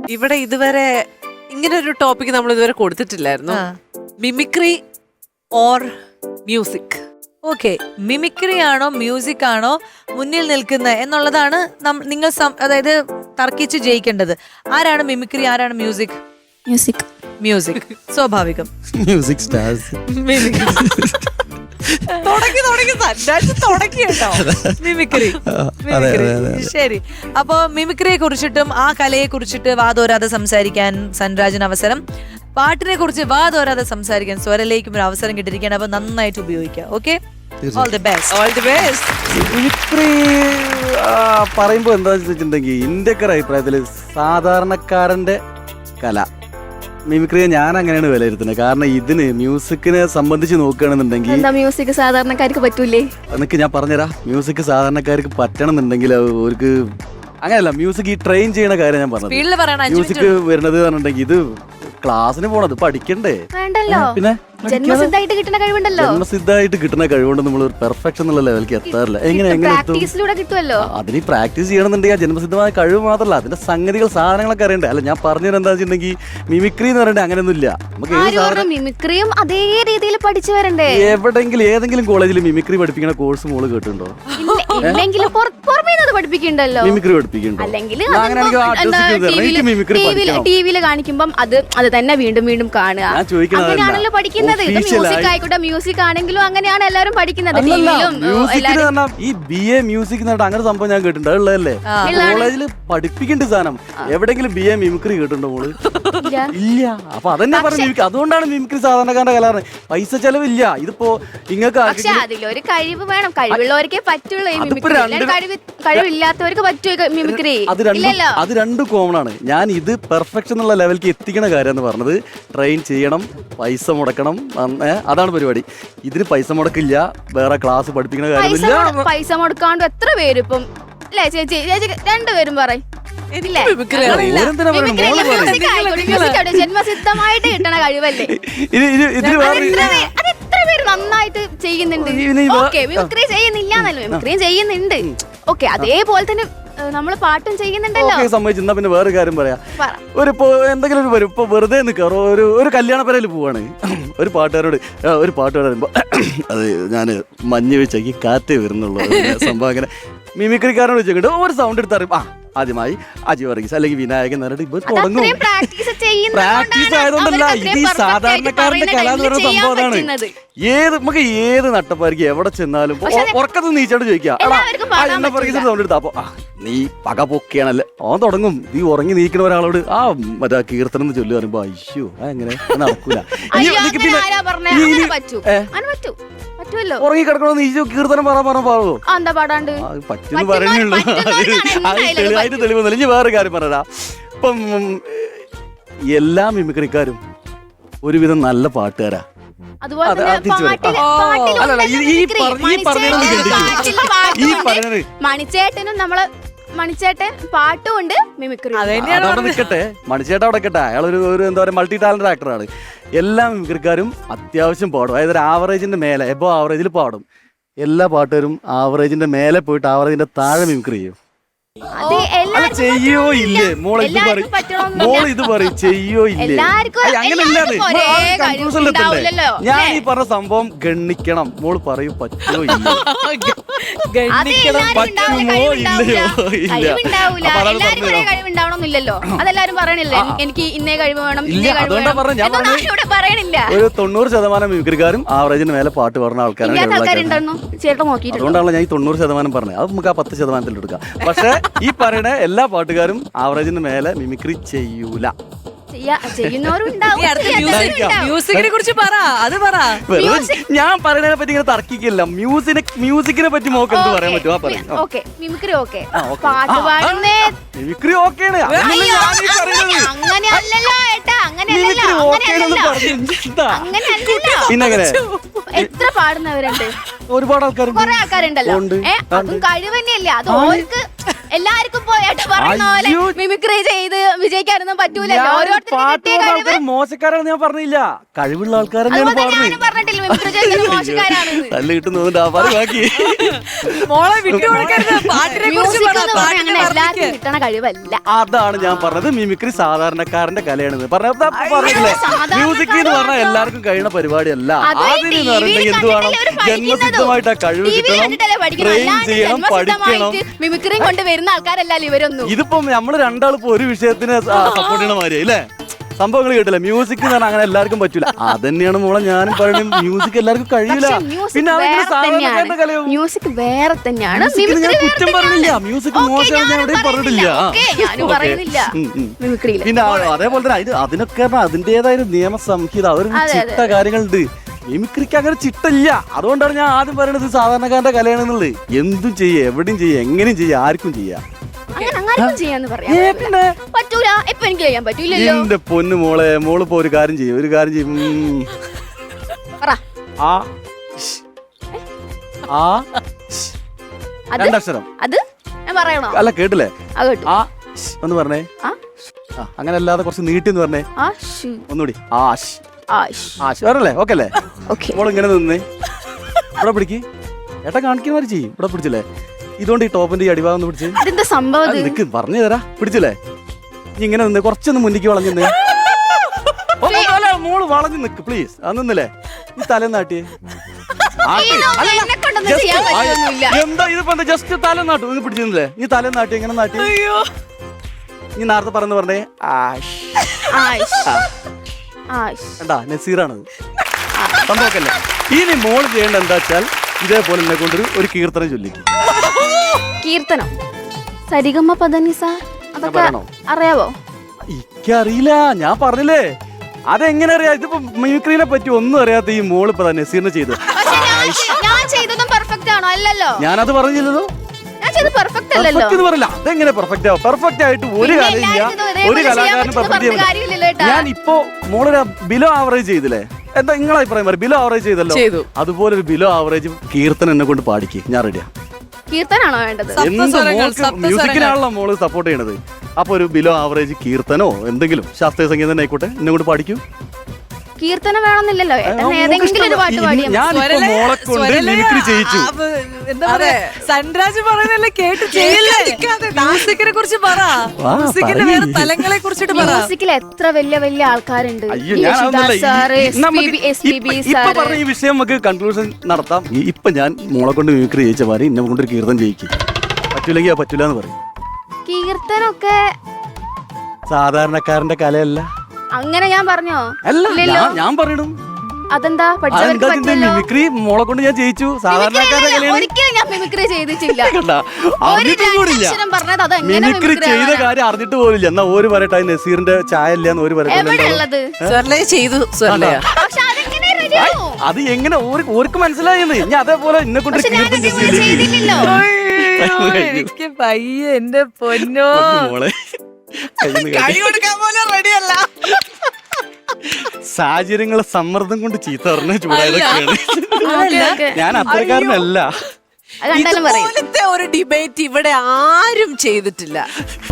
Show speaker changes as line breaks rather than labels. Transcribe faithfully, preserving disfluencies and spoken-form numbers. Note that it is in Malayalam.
ഇവിടെ ഇതുവരെ ഇങ്ങനെ ഒരു ടോപ്പിക് നമ്മൾ ഇതുവരെ കൊടുത്തിട്ടില്ലായിരുന്നു. Mimicry or music.
Okay, mimicry ആണോ മ്യൂസിക് ആണോ മുന്നിൽ നിൽക്കുന്നത് എന്നുള്ളതാണ് നിങ്ങൾ അതായത് തർക്കിച്ച് ജയിക്കേണ്ടത്. ആരാണ് മിമിക്രി, ആരാണ് മ്യൂസിക്?
മ്യൂസിക്.
മ്യൂസിക് സ്വാഭാവികം.
Music stars.
തുടങ്ങി തുടങ്ങി തുടങ്ങി കേട്ടോ മിമിക്രി. ശരി, അപ്പൊ മിമിക്രിയെ കുറിച്ചിട്ടും ആ കലയെ കുറിച്ചിട്ട് വാതോരാതെ സംസാരിക്കാൻ സൻരാജിന് അവസരം, പാട്ടിനെ കുറിച്ച് വാതോരാതെ സംസാരിക്കാൻ സ്വരലേക്കും ഒരു അവസരം കിട്ടിയിരിക്കുകയാണ്. അപ്പൊ നന്നായിട്ട് ഉപയോഗിക്കാം. Okay, all the best.
All the best.
Mimicry പറയുമ്പോ എന്താ വെച്ചിട്ടുണ്ടെങ്കിൽ ഇന്ത്യക്കാരുടെ അഭിപ്രായത്തില് സാധാരണക്കാരന്റെ കല മിമിക്രിയെ ഞാൻ അങ്ങനെയാണ് വിലയിരുത്തുന്നത്. കാരണം ഇതിന് മ്യൂസിക്കിനെ സംബന്ധിച്ച് നോക്കുകയാണെന്നുണ്ടെങ്കിൽ
എന്താ മ്യൂസിക് സാധാരണക്കാർക്ക് പറ്റൂലേ?
എന്നൊക്കെ ഞാൻ പറഞ്ഞുതരാം. മ്യൂസിക് സാധാരണക്കാർക്ക് പറ്റണം എന്നുണ്ടെങ്കിൽ അവർക്ക് അങ്ങനെയല്ല. മ്യൂസിക് ഈ ട്രെയിൻ ചെയ്യണ കാര്യം ഞാൻ പറഞ്ഞത്. മ്യൂസിക് വരുന്നത് പറഞ്ഞിട്ടുണ്ടെങ്കിൽ ഇത് ക്ലാസ്സിന് പോണത് പഠിക്കണ്ടേ?
വേണ്ടല്ലോ,
പിന്നെ
ജന്മസിദ്ധമായിട്ട് കിട്ടുന്ന കഴിവുണ്ടല്ലോ.
ജന്മസിദ്ധമായിട്ട് കിട്ടുന്ന കഴിവുകൊണ്ട് നമ്മൾ പെർഫെക്ഷൻ എന്നുള്ള ലെവലിലേക്ക് എത്താറില്ല. എങ്ങനെ എങ്ങനെ
പ്രാക്ടീസിലൂടെ കിട്ടുമല്ലോ.
അതിന് പ്രാക്ടീസ് ചെയ്യണമെന്നുണ്ടെങ്കിൽ ആ ജന്മസിദ്ധമായ കഴിവ് മാത്രമല്ല, അതിന്റെ സംഗതികൾ സാധനങ്ങളൊക്കെ അറിയണ്ടേ. അല്ല ഞാൻ പറഞ്ഞത് എന്താ വെച്ചിട്ടുണ്ടെങ്കിൽ മിമിക്രി എന്ന് പറയണ്ടേ അങ്ങനെയൊന്നുമില്ല. നമുക്ക്
മിമിക്രിയും അതേ രീതിയിൽ പഠിച്ചു വരണ്ടേ.
എവിടെങ്കിലും ഏതെങ്കിലും കോളേജിൽ മിമിക്രി പഠിപ്പിക്കുന്ന കോഴ്സ് മോള് കേട്ടിട്ടുണ്ടോ?
ഇല്ലെങ്കിലും പഠിപ്പിക്കണ്ടല്ലോ.
മിമിക്രി പഠിപ്പിക്കണ്ടോ?
അല്ലെങ്കിൽ ടിവിയിൽ കാണിക്കുമ്പം അത് അത് തന്നെ വീണ്ടും വീണ്ടും കാണുക, അങ്ങനെയാണല്ലോ പഠിക്കുന്നത്. മ്യൂസിക് ആയിക്കോട്ടെ, മ്യൂസിക് ആണെങ്കിലും അങ്ങനെയാണ് എല്ലാവരും പഠിക്കുന്നത്.
ഈ ബി എ മ്യൂസിക് അങ്ങനെ സംഭവം ഞാൻ കേട്ടിട്ടുണ്ട്. ഉള്ളതല്ലേ കോളേജിൽ പഠിപ്പിക്കേണ്ട സാധനം. എവിടെങ്കിലും ബി എ മിമിക്രി കേട്ടിട്ടുണ്ടോ മോള്? ഇല്ല. അപ്പൊ അതന്നെ പറഞ്ഞു. അതുകൊണ്ടാണ് മിമിക്രി സാധാരണക്കാരന്റെ കലാറ്. പൈസ ചെലവില്ല. ഇതിപ്പോ നിങ്ങൾക്ക്
അതിലൊരു കഴിവ് വേണം. കഴിവുള്ളവർക്കേ പറ്റുള്ളൂ ഈ മിമിക്രി. കഴിവില്ലാത്തവർക്ക് പറ്റുമോ മിമിക്രി?
അത് രണ്ടും കോമൺ ആണ്. ഞാൻ ഇത് പെർഫെക്ഷൻ എന്നുള്ള ലെവലിലേക്ക് എത്തിക്കണ കാര്യം എന്ന് പറഞ്ഞത് ട്രെയിൻ ചെയ്യണം, പൈസ മുടക്കണം, അതാണ് പരിപാടി. ഇതിന് പൈസ മുടക്കില്ല, വേറെ ക്ലാസ് പഠിപ്പിക്കുന്ന കാര്യമില്ല.
പൈസ മുടക്കാണ്ട് എത്ര പേര് ഇപ്പം അല്ലേ ചേച്ചി? ചേച്ചി രണ്ടുപേരും പറയും ജന്മസിദ്ധമായിട്ട് കിട്ടണ കഴിവല്ലേ. അതെത്ര പേര് നന്നായിട്ട് ചെയ്യുന്നുണ്ട്. ഓക്കെ, മിമിക്രി ചെയ്യുന്നില്ല എന്നല്ല, മിമിക്രിയും ചെയ്യുന്നുണ്ട്. ഓക്കെ, അതേപോലെ തന്നെ നമ്മള് പാട്ടും ചെയ്യുന്നുണ്ടല്ലോ.
സമ്മതിച്ചു. പിന്നെ വേറെ കാര്യം പറയാം. ഒരു എന്തെങ്കിലും ഒരു വരും ഇപ്പൊ വെറുതെ നിൽക്കാറോ ഒരു ഒരു കല്യാണ പരയിൽ പോവാണ്. ഒരു പാട്ടുകാരോട് ഒരു പാട്ടുകാർ വരുമ്പോ അത് ഞാൻ മഞ്ഞ് വെച്ചേക്ക് കാറ്റേ വരുന്നുള്ളൂ സംഭവം. അങ്ങനെ മിമിക്രിക്കാരനോട് വെച്ചിട്ട് ഒരു സൗണ്ട് എടുത്തറിയും. ആ ആദ്യമായി അജി വർഗീസ് അല്ലെങ്കിൽ വിനായകൻ എന്നിട്ട് ഇപ്പൊ തുടങ്ങും. പ്രാക്ടീസ് ആയതുകൊണ്ടല്ല, ഇത് ഈ സാധാരണക്കാരന്റെ കല എന്ന് പറയുന്ന സംഭവം അതാണ്. ഏത് നമുക്ക് ഏത് നട്ടപ്പായിരിക്കും എവിടെ ചെന്നാലും ഉറക്കത്ത് നീച്ചോട് ചോദിക്കാം സൗണ്ട് എടുത്താ അപ്പൊ നീ പക പൊക്കിയാണല്ലേ ഓൻ തുടങ്ങും. നീ ഉറങ്ങി നീക്കുന്ന ഒരാളോട് ആ മറ്റേ കീർത്തനം എന്ന് ചൊല്ലി പറയുമ്പോ അയ്യോ എങ്ങനെ നടക്കൂല. ഉറങ്ങി കിടക്കണോ നീ കീർത്തനം പറ പറഞ്ഞ പാടോ പറ്റുന്നു പറയുന്നുള്ളൂ. അത് തെളിവായിട്ട് തെളിവൊന്നുമില്ല. ഇനി വേറെ കാര്യം പറയാ. ഇപ്പം എല്ലാ മിമിക്രിക്കാരും ഒരുവിധം നല്ല പാട്ടുകാരാ.
മണിച്ചേട്ടനും നമ്മള് മണിച്ചേട്ടൻ പാട്ടുമുണ്ട് മിമിക്രി.
അവിടെ നിൽക്കട്ടെ, മണിച്ചേട്ടൻ അവിടെ നിൽക്കട്ടെ. അയാൾ ഒരു ഒരു എന്താ പറയുക മൾട്ടി ടാലന്റഡ് ആക്ടറാണ്. എല്ലാ മിമിക്രിക്കാരും അത്യാവശ്യം പാടും. അതായത് ഒരു ആവറേജിന്റെ മേലെ എബോ ആവറേജിൽ പാടും. എല്ലാ പാട്ടുകാരും ആവറേജിന്റെ മേലെ പോയിട്ട് ആവറേജിന്റെ താഴെ മിമിക്രി ചെയ്യും. ചെയ്യോ ഇല്ലേ മോളെ ഇത് പറയും, മോള് ഇത് പറയും ചെയ്യോ ഇല്ലേ? അങ്ങനെയല്ലാതെ ഞാൻ ഈ പറഞ്ഞ സംഭവം ഗണ്ണിക്കണം. മോള് പറയും പറ്റുമോ ഇല്ല, പറ്റുമോ ഇല്ലയോ?
കഴിവുണ്ടാവണമെന്നില്ലല്ലോ, അതെല്ലാരും പറയണില്ലേ എനിക്ക് ഇന്നേ കഴിവ് വേണം.
അതുകൊണ്ടാ പറഞ്ഞ ഞാൻ
പറയണില്ല.
ഒരു തൊണ്ണൂറ് ശതമാനം മിമിക്രിക്കാരും ആവറേജിന് മേലെ പാട്ട് പറഞ്ഞ ആൾക്കാരാണ്. അതുകൊണ്ടാണല്ലോ ഞാൻ ഈ തൊണ്ണൂറ് ശതമാനം പറഞ്ഞത്. അത് നമുക്ക് ആ പത്ത് ശതമാനത്തിൽ എടുക്കാം. പക്ഷെ ഈ പറയുന്ന എല്ലാ പാട്ടുകാരും ആവറേജിന് മേലെ മിമിക്രി ചെയ്യൂല.
മ്യൂസിക്കിനെ കുറിച്ച് പറ, അത് പറ.
ഞാൻ പറയുന്നതിനെ പറ്റി ഇങ്ങനെ തർക്കിക്കില്ല. മ്യൂസിനെ മ്യൂസിക്കിനെ പറ്റി മോക്ക് എന്ത് പറയാൻ പറ്റുമോ?
മിമിക്രി ഓക്കെ, പാട്ട് പാടുന്നേ
മിമിക്രി ഓക്കെയാണ്. പിന്നെങ്ങനെ
എത്ര പാടുന്നവരുണ്ട്?
ഒരുപാട് ആൾക്കാരുണ്ട്.
കുറെ ആൾക്കാരുണ്ടല്ലോ. അതും കഴിവ് തന്നെയല്ലേ. അത് ഓർക്ക് എല്ലാവർക്കും പോയിട്ട് പറയുന്ന പോലെ
അയ്യോ.
മിമിക്രി ചെയ്ത് വിജയിക്കാനൊന്നും പറ്റൂലല്ലോ.
ഞാൻ
ഓരോരുത്തർക്കും
പാട്ട്
കിട്ടിയ
പാടുന്ന
കഴിവ്.
ആൾക്കാർ മോശക്കാരാണെന്ന് ഞാൻ പറഞ്ഞില്ല, കഴിവുള്ള ആൾക്കാർ തന്നെയാണ്
അതുപോലെ
പാടുന്നത്.
ഞാനും പറഞ്ഞിട്ടില്ല മിമിക്രി ചെയ്യുന്നത് മോശക്കാരാണെന്ന്.
തല്ല് കിട്ടുന്നുണ്ട് ആ പറ ബാക്കി.
മോളെ വിട്ടുകൊടുക്കരുത്. പാട്ടിനെ കുറിച്ച്
മ്യൂസിക്
പറ,
എന്ന് പറഞ്ഞാൽ
പാട്ടിനെ
അങ്ങനെ എല്ലാവർക്കും
വർണ്ണിക്ക്.
കിട്ടണ കഴിവല്ല.
അതാണ് ഞാൻ പറഞ്ഞത്, മിമിക്രി സാധാരണക്കാരന്റെ കലയാണെന്ന് പറഞ്ഞത്. പറഞ്ഞില്ലേ
സാധാരണക്കാരൻ
മ്യൂസിക് എന്ന് പറഞ്ഞാൽ എല്ലാവർക്കും കഴിയുന്ന പരിപാടിയല്ല.
അത്
അതിന്
ടി വിയിൽ
പറഞ്ഞിട്ടുണ്ടെങ്കിൽ എന്ത് വേണം,
കണ്ടിട്ടല്ലേ അവര് പഠിക്കുന്നതും.
ജന്മസിദ്ധമായിട്ട് ആ കഴിവ്
ടി വി
കിട്ടണം,
കണ്ടിട്ടല്ലേ പഠിക്കുന്നത്.
ട്രെയിൻ
അല്ലാണ്ട്
ചെയ്യണം, പഠിക്കണം.
ജന്മസിദ്ധമായിട്ട് മിമിക്രിയും കൊണ്ട് വരുന്ന ആൾക്കാരല്ലല്ലോ ഇവരൊന്നും.
ഇതിപ്പം നമ്മള് രണ്ടാളിപ്പോ ഒരു വിഷയത്തിന് സപ്പോർട്ട് ചെയ്യണ മാതിരി അല്ലേ സംഭവങ്ങൾ കേട്ടില്ല. മ്യൂസിക് എന്ന് പറഞ്ഞാൽ അങ്ങനെ എല്ലാവർക്കും പറ്റൂല. അതന്നെയാണ് മോളെ ഞാനും പറയുന്നത്, മ്യൂസിക് എല്ലാവർക്കും കഴിയില്ല.
പക്ഷേ മ്യൂസിക്
പിന്നെ
വേറെ
അതെങ്ങനെ സാധാരണക്കാരന്റെ
തന്നെയാണ്.
കലയോ?
മ്യൂസിക് വേറെ തന്നെയാണ്.
മ്യൂസിക്കിന് ഞാൻ
മിമിക്രി
കുറ്റം
വേറെ
പറഞ്ഞില്ല,
തന്നെയാണ്.
മ്യൂസിക്
ഓക്കേ,
മോശം ഞാൻ
ഞാനും
എവിടെയും പറഞ്ഞിട്ടില്ല.
ഓക്കേ, ഞാനും
ഓക്കേ.
പറയുന്നില്ല
ഉം, ഉം.
മിമിക്രിയില്.
പിന്നെ ആ- അതേപോലെ തന്നെ ഇത് അതിനൊക്കെ പറഞ്ഞാ അതിന്റേതായ ഒരു നിയമസംഹിത, ഒരു
അതെ,
ചിട്ട കാര്യങ്ങളുണ്ട്. മിമിക്രിക്ക് അങ്ങനെ ചിട്ടില്ല. അതുകൊണ്ടാണ് ഞാൻ ആദ്യം പറയുന്നത് ഇത് സാധാരണക്കാരന്റെ കലയാണെന്നുള്ളത്. എന്തും ചെയ്യാം, എവിടെയും ചെയ്യാം, എങ്ങനെയും ചെയ്യാം, ആർക്കും ചെയ്യാം.
അങ്ങനെ അങ്ങാർക്കും ചെയ്യാന്ന് പറയാം
ഏ, പിന്നെ
പറ്റൂല. ഇപ്പൊ എനിക്ക് ചെയ്യാൻ പറ്റൂലല്ലോ.
എന്റെ പൊന്നു മോളെ, മോളിപ്പോ ഒരു കാര്യം ചെയ്യും, ഒരു കാര്യം ചെയ്യും. ഉം.
പറ.
ആ ഷ്. ആ ഷ്.
അത്
രണ്ടക്ഷരം.
അത് ഞാൻ പറയണോ?
അല്ല കേട്ടില്ലേ?
അത് കേട്ടു.
ആ ഷ് എന്ന് പറഞ്ഞേ.
ആ
ആ, അങ്ങനെ അല്ലാതെ കുറച്ച് നീട്ടി എന്ന് പറഞ്ഞേ.
ആ ഷു
ഒന്നുകൂടി ആ ഷ്.
ആഷ്.
ആ ഷ് വരല്ലേ? ഓക്കെ അല്ലേ?
ഓക്കെ.
മോൾ ഇങ്ങനെ നിന്നേ, ഇവിടെ പിടിക്ക്. ഏട്ടാ കാണിക്കുന്നവര് ചെയ്യും. ഇവിടെ പിടിച്ചില്ലേ? ഇതുകൊണ്ട് ഈ ടോപ്പിന്റെ ഈ അടിഭാഗം ഒന്ന് പിടിച്ച്
ഇതെന്താ സംഭവം ഇത്?
നിക്ക് പറഞ്ഞു തരാ. പിടിച്ചില്ലേ? നീ ഇങ്ങനെ നിന്ന് കുറച്ചൊന്ന് മുന്നിക്ക് വളഞ്ഞു നിന്ന്. ഓ, അല്ല, മോള് വളഞ്ഞു നിക്ക് പ്ലീസ്. അത് നിന്നില്ലേ? നീ തല നാട്ടിയേ. ആട്ടി.
ഇതൊന്നും
അല്ലല്ല,
എന്നെ കൊണ്ടൊന്നും
just-
ചെയ്യാൻ പറ്റുമൊന്നുമില്ല.
ആ, എന്താ ഇതിപ്പോ എന്താ ജസ്റ്റ് തല നാട്ടു. നീ പിടിച്ചിരുന്നില്ലേ? നീ തല നാട്ടി എങ്ങനെ നാട്ടി?
അയ്യോ.
നീ നേരത്തെ പറഞ്ഞു പറഞ്ഞേ ആഷ്.
ആഷ്. ആഷ്.
കണ്ടാ നസീറാണത് സംഭവമൊക്കെ. ഇനി മോള് ചെയ്യേണ്ട എന്താ വെച്ചാൽ ഇതേപോലെ എന്നെ കൊണ്ടൊരു ഒരു കീർത്തനം ചൊല്ലിക്കും.
കീർത്തനം, സരിഗമ പദനിസ, അതൊക്കെ
പറയണോ?
അറിയാവോ?
എനിക്കറിയില്ല, ഞാൻ പറഞ്ഞില്ലേ. അതെങ്ങനെ അറിയാം? ഇതിപ്പോ മിമിക്രീനെ പറ്റി ഒന്നും അറിയാത്ത ഈ മോള് ഇപ്പൊ നസീറിനെ ചെയ്തു.
പക്ഷെ ഞാൻ- ഞാൻ ചെയ്തതും പെർഫെക്റ്റ് ആണോ? അല്ലല്ലോ.
ഞാനത് പറഞ്ഞില്ലല്ലോ.
ഞാൻ ചെയ്ത് പെർഫെക്റ്റ് അല്ലല്ലോ.
പെർഫെക്റ്റ് എന്ന് പറയില്ല. അതെങ്ങനെ പെർഫെക്റ്റ് ആവും? പെർഫെക്റ്റ് ആയിട്ട് ഒരു
പിന്നെ
കലയില്ല,
എല്ലാവരും ഇത് ഒരേപോലെ
ഒരു
ചെയ്യാൻ
കലാകാരനും
പറ്റുമെന്ന്
പെർഫെക്റ്റ്
പറഞ്ഞ കാര്യമില്ലല്ലോ ഏട്ടാ.
ഞാൻ ഇപ്പോ മോളൊരു ബിലോ ആവറേജ് ചെയ്തില്ലേ? എന്താ നിങ്ങളെ അഭിപ്രായം പറയും? ബിലോ ആവറേജ് ചെയ്തല്ലോ.
ചെയ്തു.
അതുപോലെ ഒരു ബിലോ ആവറേജ് കീർത്തനം എന്നെ കൊണ്ട് പാടിക്ക്, ഞാൻ റെഡിയാ.
കീർത്തനാണോ വേണ്ടത്?
എന്ത്
സപ്തസ്വരങ്ങൾ,
മോൾക്ക്
സപ്തസ്വരങ്ങൾ.
മ്യൂസിക്കിനാണല്ലോ മോള് സപ്പോർട്ട് ചെയ്യണത്. അപ്പൊ ഒരു ബിലോ ആവറേജ് കീർത്തനോ എന്തെങ്കിലും ശാസ്ത്രീയ സംഗീതം തന്നെ ആയിക്കോട്ടെ, എന്നെ കൊണ്ട് പാടിക്കും.
കീർത്തനം വേണമെന്നില്ലല്ലോ. ഏട്ടൻ ഏതെങ്കിലും ഒരു പാട്ട് പാടിയാ മതി.
ഞാനിപ്പോ
സ്വരലയ-
മോളെ കൊണ്ട്
സ്വരലയ-
മിമിക്രി ചെയ്യിച്ചു.
ആ, ബ- എന്താ പറയാ, സൻരാജ് പറയുന്നല്ലേ കേട്ട് ചെയ്യില്ലാതിരിക്കാതെ മ്യൂസിക്കിനെ കുറിച്ച് പറ.
വാ,
മ്യൂസിക്കിന്റെ
പറയ്.
വേറെ തലങ്ങളെ കുറിച്ചിട്ട് പറ.
മ്യൂസിക്കിൽ എത്ര വലിയ വലിയ ആൾക്കാരുണ്ട്.
അയ്യോ, ഞാൻ അതൊന്നുമല്ല.
യേശുദാസ് സാറ്,
ഈ- നമുക്ക്
എസ് പി ബി
ഇപ്പൊ- ഇപ്പൊ
സാറ്.
പറഞ്ഞ ഈ വിഷയം നമുക്ക് കൺക്ലൂഷൻ നടത്താം. ഈ- ഇപ്പൊ ഞാൻ മോളെ കൊണ്ട് മിമിക്രി ചെയ്യിച്ച മാറി എന്നെ കൊണ്ടൊരു കീർത്തനം ചെയ്യിക്കും. പറ്റൂലെങ്കിൽ ആ പറ്റൂല എന്ന് പറയും.
കീർത്തനൊക്കെ
സാധാരണക്കാരന്റെ കലയല്ല.
അങ്ങനെ ഞാൻ പറഞ്ഞോ?
അല്ല,
ഇല്ലല്ലോ.
ഞാൻ- ഞാൻ പറയണം.
അതെന്താ പഠിച്ചവർക്ക്
അതെന്താ ഇതിന്റെ
പറ്റില്ലല്ലോ.
മിമിക്രി മോളെ കൊണ്ട് ഞാൻ ജയിച്ചു. സാധാരണക്കാരന്റെ കലയാണ്.
ഒരിക്കലും ഞാൻ മിമിക്രി ചെയ്തിട്ടില്ല.
കണ്ടാ?
ഒരു
അറിഞ്ഞിട്ടും കൂടില്ല.
രണ്ടക്ഷരം പറഞ്ഞത് അത് എങ്ങനെ
മിമിക്രി
മിമിക്രി
ചെയ്ത
ആവാനാ?
കാര്യം അറിഞ്ഞിട്ട് പോലില്ല. എന്നാ ഒരു പറയട്ടെ, നസീറിന്റെ ചായ ഇല്ലാന്ന് ഒരു പറയട്ടെ.
എവിടെ ഉള്ളത്?
സ്വർലയ ചെയ്തു. സ്വർലയ
പക്ഷെ അതെങ്ങനെ ready ആവും?
അത് എങ്ങനെ ഓര്- ഓർക്ക് മനസ്സിലായെന്ന്. ഞാൻ അതേപോലെ എന്നെ കൊണ്ട്
പക്ഷെ ഞാൻ
കീർത്തനം
ഇതുപോലെ ചെയ്തില്ലല്ലോ.
അയ്യോ, എനിക്ക് പയ്യെ എന്റെ പൊന്നോ.
മോളെ കയ്യിന്ന്
കൈ
കടി.
കൊടുക്കാൻ പോലും റെഡിയല്ല.
സാഹചര്യങ്ങളെ സമ്മർദ്ദം കൊണ്ട് ചീത്ത പറഞ്ഞ ചൂടായതൊക്കെയാണ്.
Okay, okay.
ഞാൻ അത്രക്കാരനല്ല.
അത് കണ്ടാലും പറയും.
ഇതുപോലത്തെ ഒരു ഡിബേറ്റ് ഇവിടെ ആരും ചെയ്തിട്ടില്ല.